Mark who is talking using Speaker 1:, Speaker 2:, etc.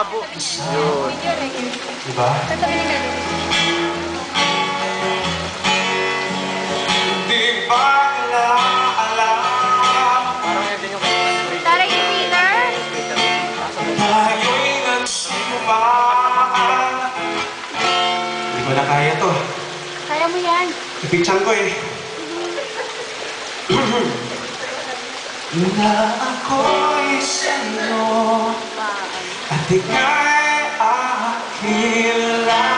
Speaker 1: malabo. Yun.
Speaker 2: Diba? Di ba alam?
Speaker 1: Parang yan din yung kanta.
Speaker 3: Tara, yung Peter.
Speaker 2: Tayo'y nagsumpaan. Di ko na kaya to.
Speaker 3: Kaya mo yan.
Speaker 2: Ipichan ko eh. Na ako'y sa'yo at ika'y aking